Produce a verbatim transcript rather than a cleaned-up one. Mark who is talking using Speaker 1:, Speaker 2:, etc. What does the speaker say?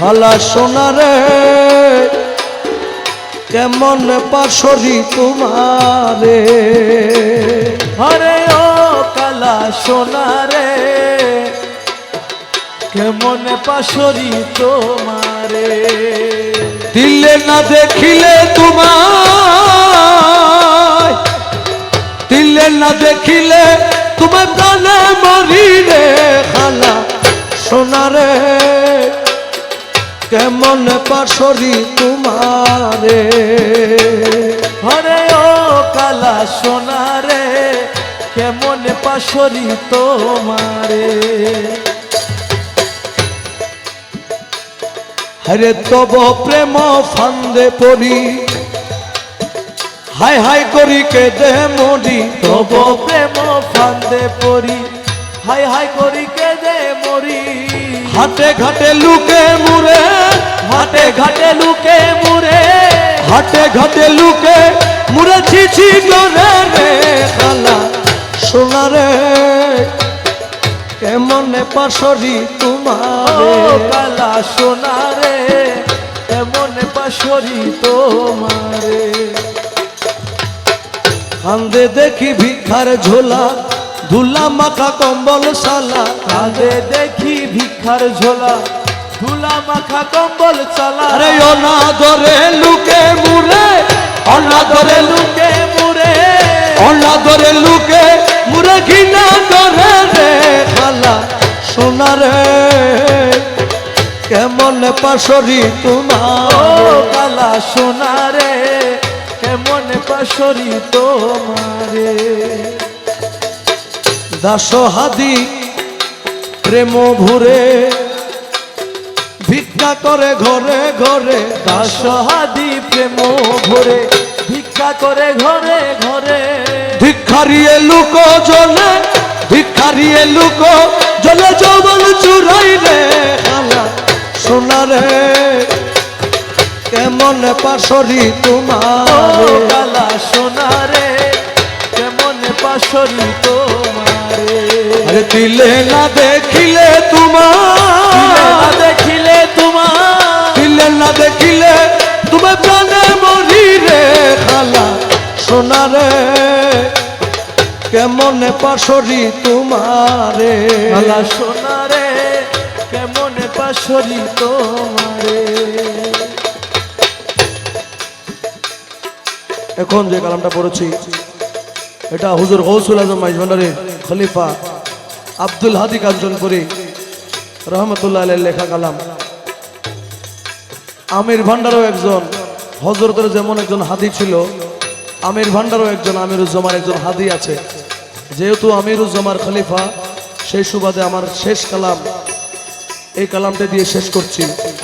Speaker 1: খালা সোনারে কেমন পাশরি তোমারে
Speaker 2: হরে ও কালা সোনারে কেমন পাশরি তোমারে
Speaker 1: দিলে না দেখিলে তোমার দিলে না দেখিলে তোমার প্রাণে মরি রে খালা সোনারে কেমন পাশরি তোমারে
Speaker 2: হরে ও কালা সোনারে কেমন পাশরি তোমারে
Speaker 1: হরে তব প্রেম ফান্দে পড়ি হাই হাই করি কেঁদে মরি
Speaker 2: তব প্রেম ফান্দে পড়ি হাই হাই করি কেঁদে মরি
Speaker 1: হাটে ঘাটে লুকে মুরে
Speaker 2: হাটে ঘাটে লুকে মুরে
Speaker 1: হাটে ঘাটে লুকে মুরে ছিছি করে রে খালা সোনারে কেমন পাশরি তোমারে
Speaker 2: ও কালা সোনারে কেমন পাশরি তোমারে
Speaker 1: কান্দে দেখি ভিক্ষার ঝোলা ধুলা মাখা কম্বল সালা
Speaker 2: কাঁদে দেখি ভিক্ষার ঝোলা ধুলা মাখা কম্বল চালা
Speaker 1: আরে অনাদরে লুকে মুরে অনাদরে লুকে
Speaker 2: লুকে মুরে
Speaker 1: অনাদরে লুকে মুরে ঘৃণা করে রে খালা সোনারে কেমন পাশরি
Speaker 2: ও
Speaker 1: তোমার
Speaker 2: কালা সোনারে কেমন পাশরি তোমারে
Speaker 1: দাস হাদি প্রেম ভুরে ভিক্ষা করে ঘরে ঘরে দাস
Speaker 2: দাসহাদি প্রেম ভরে ভিক্ষা করে ঘরে ঘরে
Speaker 1: ভিক্ষারিয়ে লুক জলে ভিক্ষারিয়ে লুক জলে যৌবন চুরাই রে খালা সোনারে কেমন পাশরি
Speaker 2: ও
Speaker 1: তোমার
Speaker 2: কালা সোনারে কেমন পাশরি তোমারে
Speaker 1: আরে দিলে না দেখিলে
Speaker 2: দিলে
Speaker 1: তোমার
Speaker 2: না দেখিলে তোমার
Speaker 1: দিলে না দেখিলে তুমি প্রাণে মরি রে খালা সোনারে কেমন পাশরি তোমারে
Speaker 2: কালা সোনারে কেমন পাশরি তোমারে
Speaker 1: এখন যে কালামটা পড়েছি এটা হুজুর গৌসুল আজম মাইজভান্ডারে খলিফা আব্দুল হাদি কাঞ্চনপুরি রহমতুল্লাহ আলাইহির লেখা কালাম। আমির ভান্ডারও একজন হযরতের যেমন একজন হাদি ছিল, আমির ভান্ডারও একজন আমিরুজ্জামান একজন হাদি আছে। যেহেতু আমিরুজ্জামান খলিফা, সেই সুবাদে আমার শেষ কালাম এই কালামটা দিয়ে শেষ করছি।